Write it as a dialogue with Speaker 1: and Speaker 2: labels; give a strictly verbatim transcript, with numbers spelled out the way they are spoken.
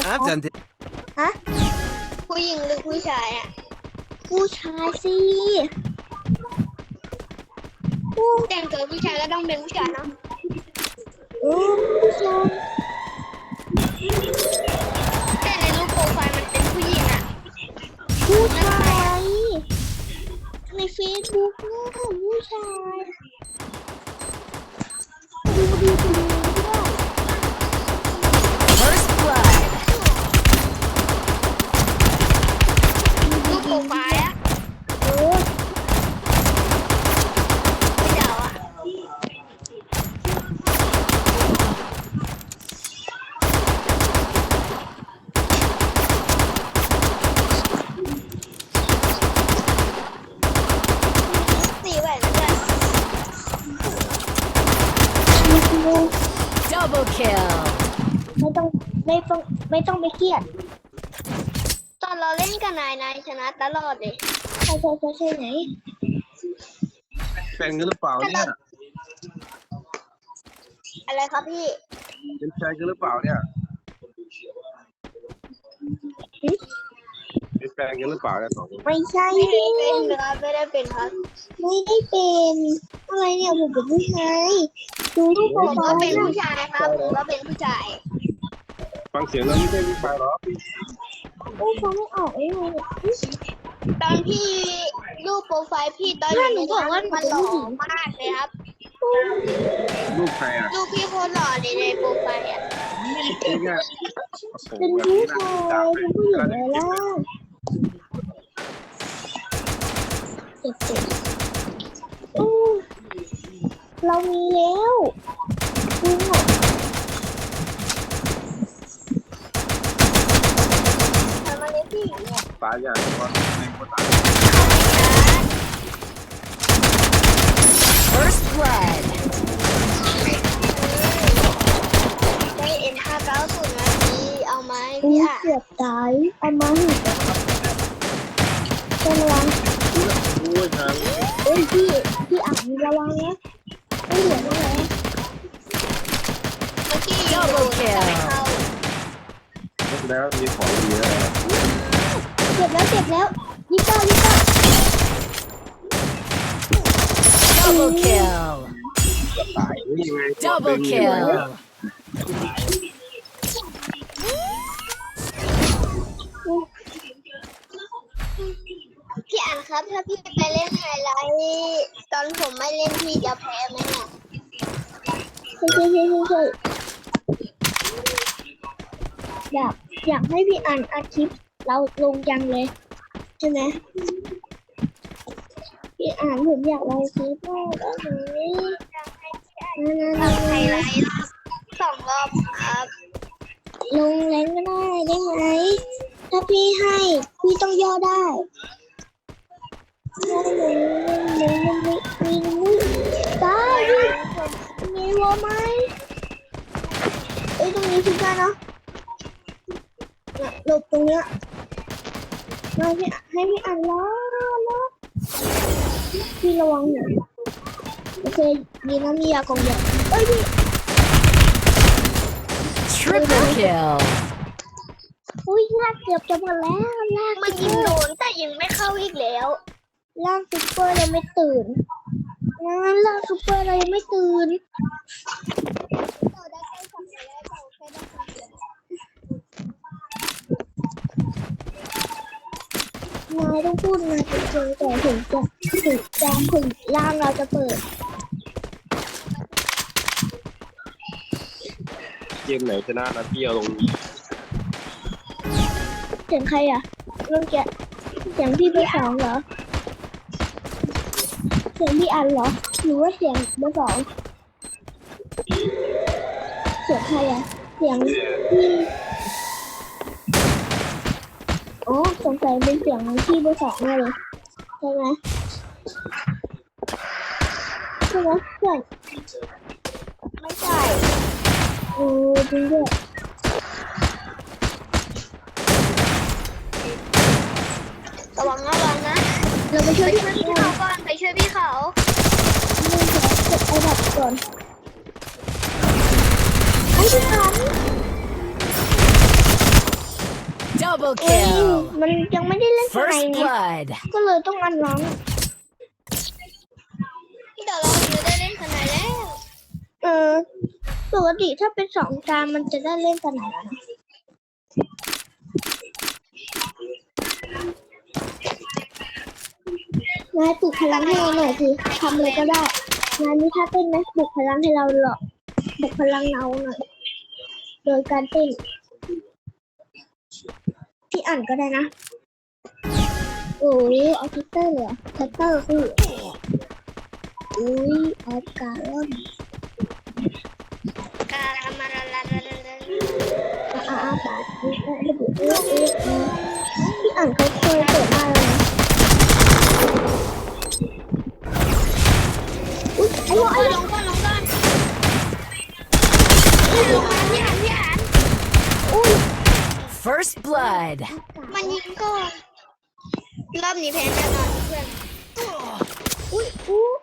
Speaker 1: I've done this.
Speaker 2: ฮะ
Speaker 3: ผู้หญิงหรือผู้ชายอ่ะ
Speaker 2: ผู้ชายสิผู้
Speaker 3: แต่งตัวผู้ชายก็ต้องเป็นผู้ชายเนาะ
Speaker 2: เออผู้ชาย
Speaker 3: แต่ในรูปโปรไฟล์มันเป็นผู้หญิงอ่ะ
Speaker 2: ผู้ชายในเฟซบุ๊กนะผู้ชายดูดูดูด้วย
Speaker 4: First blood.
Speaker 3: รูปโปรไฟล์อ่ะ
Speaker 2: เออ
Speaker 3: ไม่เดาอ่ะ สีแหวนเพื่อน
Speaker 4: Double kill.
Speaker 2: ไม่ต้องไม่ต้องไม่ต้องไปเครียด
Speaker 3: ตอนเราเล่นกับนายนายชนะตลอดเลย
Speaker 2: ใช่ใช่ใช่ใช่ไหน
Speaker 1: แฟนกันหรือเปล่าเนี่ย
Speaker 3: อะไรครับพี่
Speaker 1: เป็นแฟนกันหรือเปล่าเนี่ยเป็นแฟนกันหรือเปล่าเนี่ยสองคน
Speaker 2: ไม่ใช่
Speaker 3: ไม่
Speaker 2: เ
Speaker 3: ได้เป็นครับไม่ได้เป็นครับ
Speaker 2: ไม่ได้เป็นอะไรเนี่ยผมเป็นผู้ชายดูที่โปร
Speaker 3: ผม
Speaker 2: ไฟ
Speaker 3: ก็
Speaker 2: ล์
Speaker 3: เป็นผู้ชายครับผมก็เป็นผู้ชาย
Speaker 1: ฟังเสียงแล้วไม่ใช่ผู้ชายหรอ
Speaker 2: โอ้ฟังไม่ออกเองเลยเนี่ย
Speaker 3: ตอนพี่รูปโปรไฟล์พี่ตอนอยู่ในนั้นมันหล่อมากเลยครับ
Speaker 1: ลูกใครอ่ะ
Speaker 3: รูปพี่โคตรหล่อเลยในโปรไฟล์อ่ะ
Speaker 1: นี่ไงโอ้โห
Speaker 2: เป็น
Speaker 1: แบบ
Speaker 2: ผู้
Speaker 1: นี้น่า
Speaker 2: ชา
Speaker 1: ติดตามเลย
Speaker 2: ยเป็นผู้หญิงเลยล่ะเจ็บเจ็บอู้เรามีแล้วจริงเหรอ
Speaker 3: ทำอะไรพี่
Speaker 1: ตายอย่างว่าในคนตาย
Speaker 4: First blood.
Speaker 3: ได้เอ็นห้าเก้าศูนย์นาทีเอาไหม
Speaker 2: อู้
Speaker 3: พี่อ่ะ
Speaker 2: เกือบตายเอามาหิเป็นระวัง
Speaker 1: โอ้ยทาง
Speaker 2: เอ้ยพี่พี่อ่านระวังนะไม่เหลือตรงไหน
Speaker 3: เมื่อกี้ยิงโดนแต่ไม่เข้า
Speaker 1: แล้วมีของดีอะไร
Speaker 2: เจ็บแล้วเจ็บแล้วยี่สิบเก้ายี่สิบเก้า
Speaker 4: Double kill.
Speaker 1: ตายนี่ไง
Speaker 4: Double kill.
Speaker 3: พี่อ่านครับถ้าพี่ไปเล่นไฮไลท์ตอนผมไม่เล่นพี่จะแพ้ไหมเนี่ย
Speaker 2: ใช่ใช่ใช่ใช่อยากอยากให้พี่อ่านอาคลิปเราลงยังเลยใช่ไหมพี่อ่านผมอยากลงคลิปมากเลยนะนะ
Speaker 3: ทำไฮไลท์สองรอบครับ
Speaker 2: ลงแรงก็ได้ได้ไหมถ้าพี่ให้พี่ต้องย่อได้ได้เลยมีมีมีได้มีวัวไหมเอ้ยตรงนี้พี่ได้เนาะหลบตรงเนี้ยมาพี่ให้พี่อ่านล้อล้อพี่ระวังหน่อยโอเคดีนะมียากองยาเอ้ยพี่
Speaker 4: Triple kill.
Speaker 2: อุ้ยลากเกือบจะหมดแล้วลาก
Speaker 3: มันยิงโดนแต่ยิงไม่เข้าอีกแล้ว
Speaker 2: ลากซุปเปอร์เราไม่ตื่นนะลากซุปเปอร์เรายังไม่ตื่นนายต้องพูดนายจริงๆแต่ถึงจะถึงจะถึงร่างเราจะเปิด
Speaker 1: เกมไหนชนะนะพี่เอาลงนี้
Speaker 2: เสียงใครอ่ะเมื่อกี้เสียงพี่เบอร์สองเหรอเสียงพี่อันเหรอหรือว่าเสียงเบอร์สองเสียงใครอ่ะเสียงพี่โอ้สงสัยเป็นเสียงพี่เบอร์สองแน่เลยใช่ไหมใช่ไหมเพื่อน
Speaker 3: ไม่ใช่
Speaker 2: โอ้จริงด้วย
Speaker 3: ระวังระวังนะ
Speaker 2: เราไปช่วย
Speaker 3: ไป
Speaker 2: พี่
Speaker 3: ช่วย
Speaker 2: อัน
Speaker 3: พี่เขาก่อนไปช่วยพี่เขา
Speaker 2: เรื่องเก็บไอ้ดับก่อนไอ้พี่อัน
Speaker 4: Double
Speaker 2: เอ้ย
Speaker 4: kill.
Speaker 2: มันยังไม่ได้เล่นสไน
Speaker 4: First
Speaker 2: ไง
Speaker 4: blood.
Speaker 2: ก็เลยต้องอันร้อง
Speaker 3: เดี๋ยวเราจะได้เล่นขนาดแล้ว
Speaker 2: เออปกติถ้าเป็นสองจานมันจะได้เล่นสไนแล้วนะนายปลุกพลังให้เราหน่อยสิทำอะไรก็ได้นายมีท่าเต้นไหมปลุกพลังให้เราหรอกปลุกพลังเราหน่อยโดยการเต้นพี่อ่านก็ได้นะโอ้ยเอาทัตเตอร์เลยเหรอทัตเตอร์คืออุ้ยออฟการ์ลอน
Speaker 3: กาลามาลาลาลาลาลา
Speaker 2: อาอาอาปาดีเออระบุเออเออเออพี่อ่านเขาเคยเปิดมาเลยนะอุ้ยไอ้วะไอ้
Speaker 3: ลงก่อนลงก่อนลงมาพี่อ่านพี่อ่าน
Speaker 2: อุ้ย
Speaker 4: First blood.
Speaker 3: มันยิงก่อนรอบนี้แพ้แน่นอนเพื่อน
Speaker 2: อุ้ยอุ้ย